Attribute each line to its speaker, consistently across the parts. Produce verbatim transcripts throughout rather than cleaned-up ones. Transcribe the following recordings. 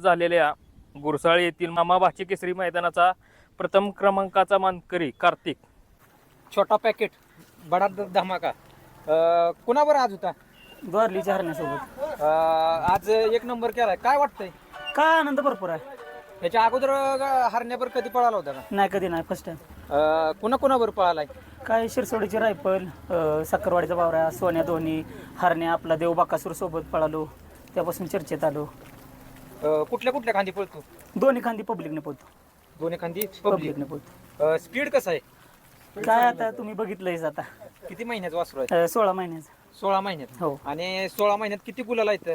Speaker 1: झालेल्या गुरसाळे येथील मामा भाची केसरी मैदानाचा प्रथम क्रमांकाचा मानकरी कार्तिक.
Speaker 2: छोटा पॅकेट बडा ध- धमाका अं, कुणावर आज होता?
Speaker 3: द्वारलीच्या हरण्यासोबत
Speaker 2: अं, आज एक नंबर केलाय, काय वाटतंय?
Speaker 3: काय आनंद भरपूर आहे.
Speaker 2: ह्याच्या अगोदर अं, हरण्यावर कधी पळाला होता का?
Speaker 3: नाही कधी नाही फर्स्ट टाइम.
Speaker 2: अं, कुणा कुणावर पळालाय?
Speaker 3: काय शिरसोडीची रायफल, अं, साखरवाडीचा बावरा, सोन्या दोन्ही, हरण्या आपला देव बाकासूर सोबत पळालो, त्यापासून चर्चेत आलो.
Speaker 2: अं, कुठल्या कुठल्या खांदी पळतो?
Speaker 3: दोन्ही खांदी पब्लिकने पोहतो.
Speaker 2: दोन्ही खांदी पब्लिक.
Speaker 3: पब्लिकने पोहतो.
Speaker 2: स्पीड कसं आहे?
Speaker 3: काय आता तुम्ही बघितलंयच आता.
Speaker 2: किती महिन्याचं वासरू आहे?
Speaker 3: अं, सोळा महिन्याचा.
Speaker 2: सोळा महिन्यात.
Speaker 3: हो.
Speaker 2: आणि सोळा महिन्यात किती गुलाला येतं?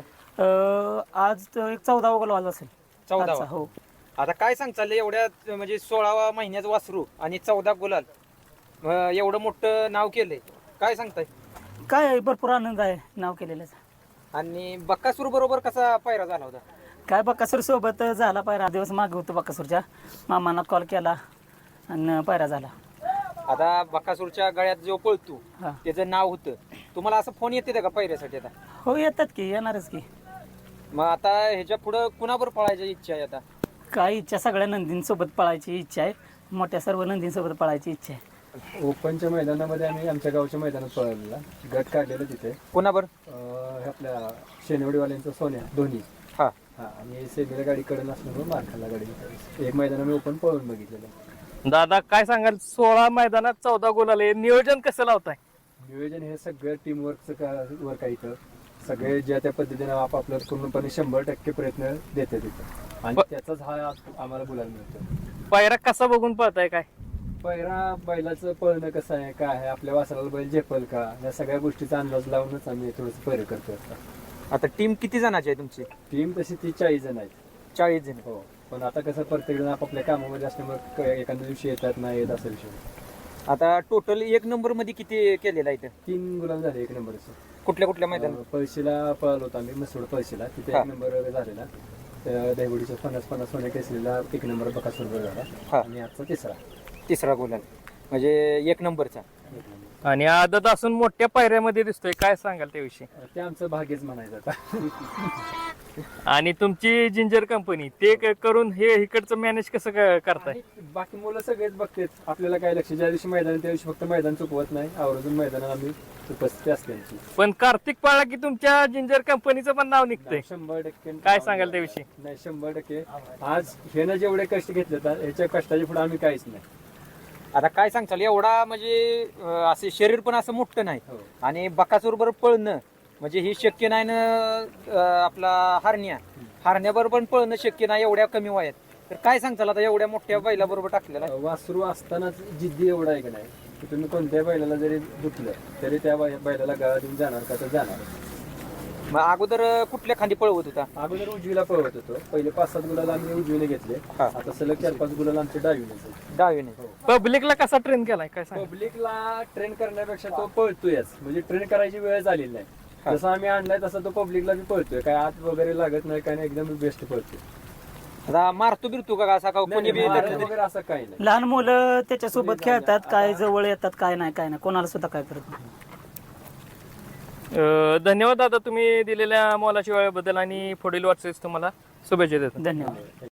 Speaker 3: अं, आज तर एक चौदा गोल असेल.
Speaker 2: चौदावा.
Speaker 3: आजचा, हो.
Speaker 2: आता काय सांग चाललंय एवढ्या म्हणजे सोळावा महिन्याचं वासरू आणि चौदा गुलाल, अं, एवढं मोठं नाव केलंय, काय सांगताय?
Speaker 3: काय भरपूर आनंद आहे नाव केलेल्याचा.
Speaker 2: आणि बक्कासूर बरोबर कसा पायरा झाला होता?
Speaker 3: काय बकासूर सोबत झाला पायरा, दिवस मागे होतो बकासूरच्या, मामांना कॉल केला आणि पायरा झाला.
Speaker 2: आता बक्कासूरच्या गळ्यात जो पळतो
Speaker 3: हा.
Speaker 2: त्याचं नाव होतं, तुम्हाला असं फोन येते का पायऱ्यासाठी? आता
Speaker 3: हो येतात की, येणारच की.
Speaker 2: मग आता ह्याच्या पुढं कुणावर पळायची इच्छा आहे? आता
Speaker 3: काय इच्छा, सगळ्या नंदींसोबत पळायची इच्छा आहे, मोठ्या सर्व नंदींसोबत पळायची इच्छा आहे.
Speaker 4: ओपनच्या मैदानामध्ये आम्ही आमच्या गावच्या मैदानात पळवलेला गट काढलेला तिथे.
Speaker 2: कुणावर?
Speaker 4: अं, आपल्या शेनवडीवाल्यांचा सोन्या दोन्ही.
Speaker 2: हा.
Speaker 4: हा, आणि सेमीला गाडी कडे नसल्यामुळे मार खाल्ला गाडी. एक मैदान आम्ही ओपन पळवून बघितलेलं.
Speaker 1: दादा काय सांगाल, सोळा मैदानात चौदा गोल आले, नियोजन कसं लावताय?
Speaker 4: नियोजन हे सगळं टीमवर्कचं का वर्क आहे इथं. सगळे ज्या त्या पद्धतीने आपापलं पूर्णपणे शंभर टक्के प्रयत्न देते तिथं, आणि त्याचाच हा आम्हाला बोलायला मिळतो.
Speaker 1: पायरा कसा बघून पळताय काय?
Speaker 4: पहिला बैलाचं पळणं कसं आहे, काय आहे, आपल्या वासराला बैल झेपल का, या सगळ्या गोष्टीचा अंदाज लावूनच आम्ही थोडंसं पैर करतो.
Speaker 2: आता टीम किती जणांची आहे तुमची?
Speaker 4: टीम तशी ती चाळीस जण आहेत.
Speaker 2: चाळीस जण.
Speaker 4: हो, पण आता कसं प्रत्येक जण आपापल्या कामामध्ये असल्यामुळे क- एखाद्या दिवशी येतात नाही येत असा विषय.
Speaker 2: आता टोटल एक नंबर मध्ये किती केलेला आहे?
Speaker 4: तीन गुलाम झाले एक नंबरचं.
Speaker 2: कुठल्या कुठल्या मैदानात?
Speaker 4: पळशीला पळालो होतो आम्ही, मसूड पळशीला, तिथे
Speaker 2: हा.
Speaker 4: एक नंबर झालेला. त्या दहिवडीच्या पन्नास पन्नास सोन्या केसरीला एक नंबर बकासूर झाला.
Speaker 2: हा.
Speaker 4: आणि आजचा तिसरा.
Speaker 2: तिसरा गुलाल म्हणजे एक नंबरचा.
Speaker 4: एक नंबर.
Speaker 1: आणि आदत असून मोठ्या पायऱ्यामध्ये दिसतोय, काय सांगाल त्याविषयी?
Speaker 4: ते आमचं भाग्यच म्हणायचं आता.
Speaker 1: आणि तुमची जिंजर कंपनी ते क- करून हे इकडचं मॅनेज कसं क- करताय?
Speaker 4: आणि बाकी मुलं सगळेच बघतात, आपल्याला काय लक्ष, ज्या दिवशी मैदान त्या दिवशी फक्त मैदान चुकवत नाही, आवर्जून मैदानात आम्ही उपस्थिती असते आमची.
Speaker 1: पण कार्तिक पाळला की तुमच्या जिंजर कंपनीचं पण नाव निघतंय,
Speaker 4: शंभर टक्के.
Speaker 1: काय सांगाल त्याविषयी?
Speaker 4: नाही, शंभर टक्के. आज ह्यानं जेवढे कष्ट घेतले तर ह्याच्या कष्टाच्या पुढे आम्ही काहीच नाही.
Speaker 2: आता काय सांगताल, एवढा म्हणजे अं, असे शरीर पण असं मोठं नाही,
Speaker 4: हो.
Speaker 2: आणि बकासूर पळणं म्हणजे हे शक्य नाही ना. अं, आपला हरण्या हरण्याबरोबर पण पळणं शक्य नाही एवढ्या कमी वयात. तर काय सांगताल आता एवढ्या मोठ्या बैलाबरोबर टाकलेला आहे?
Speaker 4: वासरू असतानाच जिद्दी एवढा आहे की नाही, की तुम्ही कोणत्या बैलाला जरी दुखलं तरी त्या बै- बैलाला गाळा देऊन जाणार का, तर जाणार.
Speaker 2: मग अगोदर अं, कुठल्या खांदी पळवत होता?
Speaker 4: अगोदर उजवीला पळवत होतो, पहिले पाच सात गुलाला आम्ही उजवीने घेतले.
Speaker 2: हा.
Speaker 4: आता सलग चार पाच गुलाला आमचे डावीने.
Speaker 2: डावीने.
Speaker 1: पब्लिकला कसा ट्रेन केलाय, काय सांग?
Speaker 4: पब्लिकला ट्रेन करण्यापेक्षा तो पळतोयच, म्हणजे ट्रेन करायची वेळ झालेली नाही.
Speaker 2: हा.
Speaker 4: जसं आम्ही आणलाय तसा तो पब्लिकला बी पळतोय, काय आत वगैरे लागत नाही, काय नाही, एकदम बेस्ट पळतोय.
Speaker 2: आता मारतो बिरतो का असा का कोणी बी
Speaker 4: मारण
Speaker 2: धरलं?
Speaker 4: वगैरे असं काही नाही.
Speaker 3: लहान मुलं त्याच्यासोबत खेळतात, काय जवळ येतात, काय नाही काय नाही, कोणाला सुद्धा काय करत नाही.
Speaker 1: अं, धन्यवाद दादा, तुम्ही दिलेल्या मोलाच्या वेळेबद्दल, आणि पुढील वाटचालीस तुम्हाला शुभेच्छा देतो.
Speaker 3: धन्यवाद.